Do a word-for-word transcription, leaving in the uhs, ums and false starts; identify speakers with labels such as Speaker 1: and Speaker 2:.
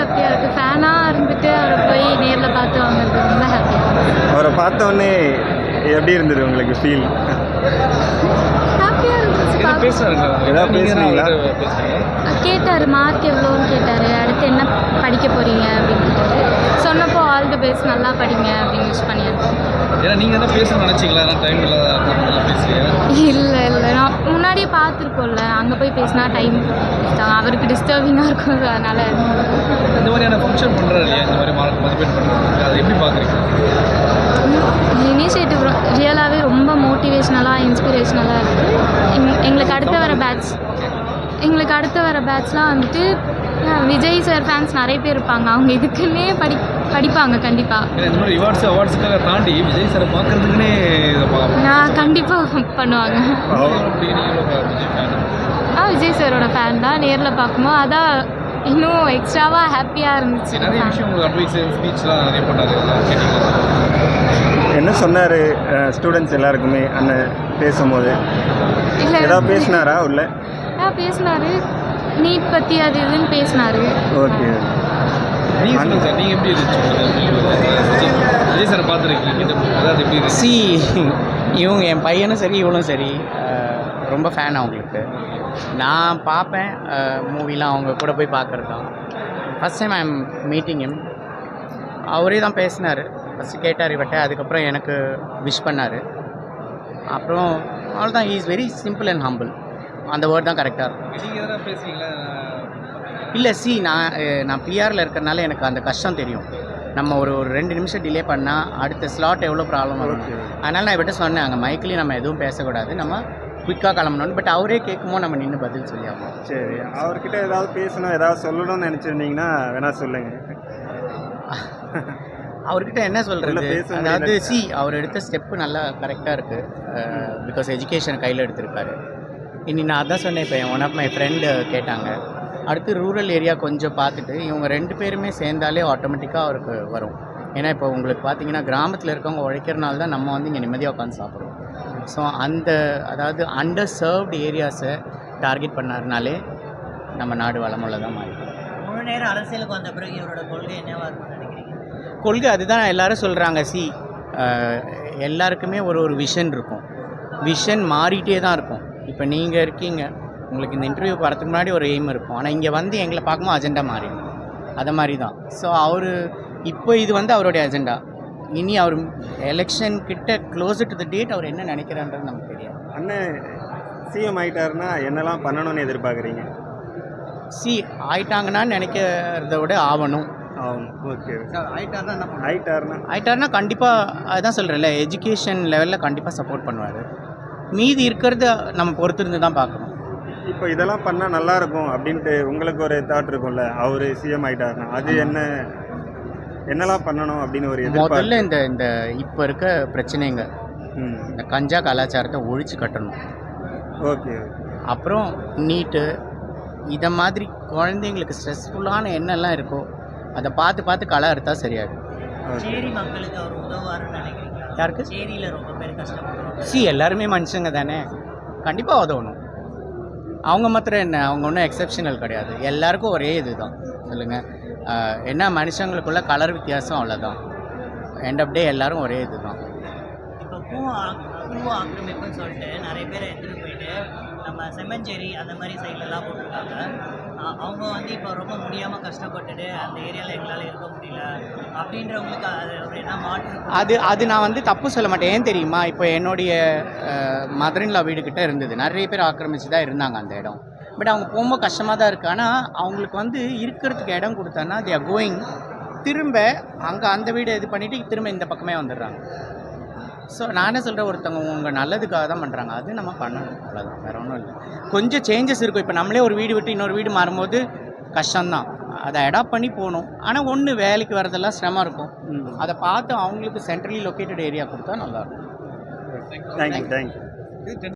Speaker 1: ஹாப்பியாக இருக்குது. ஃபேனாக இருந்துட்டு அவரை போய் நேரில் பார்த்து வாங்குறது ரொம்ப ஹாப்பியாக இருக்குது.
Speaker 2: அவரை பார்த்தோன்னே எப்படி இருந்தது உங்களுக்கு ஃபீல்?
Speaker 1: ஹாப்பியாக இருந்துச்சு.
Speaker 2: ஏதாவது பேசுனீங்களா?
Speaker 1: கேட்டார் மார்க் எவ்வளோன்னு கேட்டார். அடுத்து என்ன படிக்க போகிறீங்க அப்படின்னு கேட்டார். சொன்னப்போ ஆல் தி பெஸ்ட் நல்லா படிங்க அப்படின்னு விஷ் பண்ணியிருக்கேன்.
Speaker 3: ஏன்னா நீங்கள் தான் பேசணும்னு நினச்சிங்களா? டைம் இல்லாத பேசுகிறீங்க?
Speaker 1: இல்லை இல்லை நான் முன்னாடியே பார்த்துருக்கோம்ல, அங்கே போய் பேசினா டைம் அவருக்கு டிஸ்டர்பிங்காக இருக்கும். அதனால்
Speaker 3: இந்த மாதிரியான ஃபங்க்ஷன் பண்ணுறாரு இல்லையா, இந்த மாதிரி மார்க் மதிப்பீடு பண்ணுறது, அதை எப்படி பார்க்குறீங்க?
Speaker 1: இனிஷியேட்டிவ் ரியலாகவே ரொம்ப மோட்டிவேஷ்னலாக இன்ஸ்பிரேஷ்னலாக இருக்குது. எங் எங்களுக்கு அடுத்த வர பேட்ச் எங்களுக்கு அடுத்த வர பேட்ச்லாம் வந்துட்டு விஜய் சார் ஃபேன்ஸ் நிறைய பேர் இருப்பாங்க. அவங்க இதுக்குன்னே படி படிப்பாங்க கண்டிப்பாக.
Speaker 3: இந்த மாதிரி ரிவார்ட்ஸ் அவார்ட்ஸுக்காக தாண்டி விஜய் சாரை பார்க்குறதுக்குன்னே
Speaker 1: நான் கண்டிப்பாக பண்ணுவாங்க. ஆ விஜய் சாரோட ஃபேன் தான். நேரில் பார்க்கும்போது அதான் இன்னும் எக்ஸ்ட்ராவாக ஹாப்பியாக இருந்துச்சு.
Speaker 3: நிறைய விஷயம் உங்களுக்கு அட்வைஸ் ஸ்பீச்லாம் நிறைய பண்ணாரு.
Speaker 2: என்ன சொன்னார் ஸ்டூடெண்ட்ஸ் எல்லாருக்குமே அண்ணன் பேசும்போது?
Speaker 1: இல்லை
Speaker 2: ஏதாவது பேசினாரா உள்ள?
Speaker 1: ஆ பேசினார். நீட் பற்றி அது இதுன்னு பேசினார்.
Speaker 2: ஓகே.
Speaker 3: நீங்கள் சொல்லுங்கள் சார், நீங்கள் எப்படி இருந்துச்சு விஜய் சாரை பார்த்துருக்கீங்க? அதாவது எப்படி
Speaker 4: சி இவங்க என் பையனும் சரி இவனும் சரி ரொம்ப ஃபேன் அவங்களுக்கு. நான் பார்ப்பேன் மூவிலாம், அவங்க கூட போய் பார்க்குறது தான். First time I am meeting him. அவரே தான் பேசினார். ஃபஸ்ட்டு கேட்டார் இவட்ட, அதுக்கப்புறம் எனக்கு விஷ் பண்ணார். அப்புறம் அவ்வளோதான். He is very simple and humble. அந்த வேர்ட் தான் கரெக்டாக இருக்கும்.
Speaker 3: நீங்கள் எதாவது பேசுவீங்களா?
Speaker 4: இல்லை சி நான் நான் பிஆரில் இருக்கிறனால எனக்கு அந்த கஷ்டம் தெரியும். நம்ம ஒரு ஒரு ரெண்டு நிமிஷம் டிலே பண்ணால் அடுத்த ஸ்லாட் எவ்வளோ ப்ராப்ளம் வரும். அதனால் நான் இவட்ட சொன்னேன், அங்கே மைக்கிலையும் நம்ம எதுவும் பேசக்கூடாது, நம்ம குயிக்காக கிளம்பணும்னு. பட் அவரே கேட்கும்போது நம்ம நின்று பதில் சொல்லி ஆகணும்.
Speaker 2: சரி, அவர்கிட்ட ஏதாவது பேசணும் ஏதாவது சொல்லணும்னு நினச்சிருந்தீங்கன்னா வேணா சொல்லுங்கள்.
Speaker 4: அவர்கிட்ட என்ன சொல்கிறது,
Speaker 2: பேச
Speaker 4: அதாவது சி அவர் எடுத்த ஸ்டெப்பு நல்லா கரெக்டாக இருக்குது. பிகாஸ் எஜுகேஷன் கையில் எடுத்திருக்காரு. இனி நான் அதான் சொன்னேன். இப்போ ஒன் ஆஃப் மை ஃப்ரெண்டு கேட்டாங்க, அடுத்து ரூரல் ஏரியா கொஞ்சம் பார்த்துட்டு இவங்க ரெண்டு பேருமே சேர்ந்தாலே ஆட்டோமேட்டிக்காக அவருக்கு வரும். ஏன்னா இப்போ உங்களுக்கு பார்த்தீங்கன்னா கிராமத்தில் இருக்கவங்க உழைக்கிறனால தான் நம்ம வந்து இங்கே நிம்மதியாக உட்காந்து சாப்பிட்றோம். ஸோ அந்த அதாவது அண்டர் சர்வ்டு ஏரியாஸை டார்கெட் பண்ணாருனாலே நம்ம நாடு வளமுள்ள தான் மாறிடும்.
Speaker 5: முழு நேரம் அரசியலுக்கு வந்த பிறகு இவரோட கொள்கை என்னவா இருக்கும்னு நினைக்கிறீங்க?
Speaker 4: கொள்கை அதுதான் எல்லாரும் சொல்கிறாங்க. சி எல்லாருக்குமே ஒரு ஒரு விஷன் இருக்கும். விஷன் மாறிட்டே தான் இருக்கும். இப்போ நீங்கள் இருக்கீங்க, உங்களுக்கு இந்த இன்டர்வியூ வரதுக்கு முன்னாடி ஒரு எய்ம் இருக்கும். ஆனால் இங்கே வந்து எங்களை பார்க்கும்போது அஜெண்டா மாறிடும். அதை மாதிரி தான். ஸோ அவர் இப்போ இது வந்து அவருடைய அஜெண்டா. இனி அவர் எலெக்ஷன் கிட்ட க்ளோஸ் டு த டேட் அவர் என்ன நினைக்கிறான்றது நமக்கு தெரியாது.
Speaker 2: அண்ணன் சிஎம் ஆகிட்டாருன்னா என்னெல்லாம் பண்ணணும்னு எதிர்பார்க்குறீங்க?
Speaker 4: சி ஆயிட்டாங்கன்னா நினைக்கிறத விட ஆகணும்.
Speaker 2: ஆகணும். ஓகே.
Speaker 4: ஆயிட்டாருன்னா என்ன பண்ண
Speaker 2: ஆயிட்டாருன்னா
Speaker 4: ஆயிட்டாருன்னா கண்டிப்பாக அதுதான் சொல்கிறேன்ல, எஜுகேஷன் லெவலில் கண்டிப்பாக சப்போர்ட் பண்ணுவார். மீதி இருக்கிறத நம்ம பொறுத்திருந்து தான் பார்க்கணும்.
Speaker 2: இப்போ இதெல்லாம் பண்ணால் நல்லாயிருக்கும் அப்படின்ட்டு உங்களுக்கு ஒரு தாட் இருக்கும்ல, அவர் சிஎம் ஆகிட்டாருன்னா அது என்ன என்னெல்லாம் பண்ணணும் அப்படின்னு ஒரு
Speaker 4: முதல்ல இந்த இந்த இப்போ இருக்க பிரச்சனைங்க, இந்த கஞ்சா கலாச்சாரத்தை ஒழிச்சு கட்டணும்.
Speaker 2: ஓகே.
Speaker 4: அப்புறம் நீட்டு இதை மாதிரி குழந்தைங்களுக்கு ஸ்ட்ரெஸ்ஃபுல்லான என்னெல்லாம் இருக்கோ அதை பார்த்து பார்த்து களை அறுத்தா சரியாகும்.
Speaker 5: சேரி மக்களுக்கு அவர் உதவுவாருன்னு நினைக்கிறீங்களா?
Speaker 4: யாருக்கு?
Speaker 5: சேரியில் ரொம்ப பேர் கஷ்டப்படுறாங்க.
Speaker 4: சி எல்லாருமே மனுஷங்க தானே, கண்டிப்பாக உதவணும். அவங்க மாத்திரம் என்ன, அவங்க ஒன்றும் எக்ஸப்ஷனல் கிடையாது. எல்லாருக்கும் ஒரே இது தான். சொல்லுங்கள், என்ன மனுஷங்களுக்குள்ள கலர் வித்தியாசம், அவ்வளோதான். எண்ட் ஆஃப் டே எல்லோரும் ஒரே இது தான்.
Speaker 5: இப்போ பூ பூ ஆக்கிரமிப்புன்னு சொல்லிட்டு நிறைய பேரை எடுத்துகிட்டு போயிட்டு நம்ம செம்மஞ்சேரி அந்த மாதிரி சைட்லலாம் போட்டிருக்காங்க. அவங்க வந்து இப்போ ரொம்ப முடியாமல் கஷ்டப்பட்டுட்டு அந்த ஏரியாவில் எங்களால் இருக்க முடியல அப்படின்றவங்களுக்கு அது ஒரு என்ன மாற்று?
Speaker 4: அது அது நான் வந்து தப்பு சொல்ல மாட்டேன். ஏன் தெரியுமா, இப்போ என்னுடைய மதரின்லா வீடுக்கிட்ட இருந்தது, நிறைய பேர் ஆக்கிரமிச்சு தான் இருந்தாங்க அந்த இடம். பட் அவங்க போகும்போது கஷ்டமாக தான் இருக்குது. ஆனால் அவங்களுக்கு வந்து இருக்கிறதுக்கு இடம் கொடுத்தான்னா தே ஆர் கோயிங், திரும்ப அங்கே அந்த வீடை இது பண்ணிவிட்டு திரும்ப இந்த பக்கமே வந்துடுறாங்க. ஸோ நான் என்ன சொல்கிறேன், ஒருத்தவங்க உங்கள் நல்லதுக்காக தான் பண்ணுறாங்க, அது நம்ம பண்ணணும், அவ்வளோதான், வேறு ஒன்றும் இல்லை. கொஞ்சம் சேஞ்சஸ் இருக்கும். இப்போ நம்மளே ஒரு வீடு விட்டு இன்னொரு வீடு மாறும்போது கஷ்டம்தான், அதை அடாப்ட் பண்ணி போகணும். ஆனால் ஒன்று வேலைக்கு வரதெல்லாம் சிரமம் இருக்கும். அதை பார்த்து அவங்களுக்கு சென்ட்ரலி லொக்கேட்டட் ஏரியா கொடுத்தா நல்லாயிருக்கும்.
Speaker 2: Thank you thank you.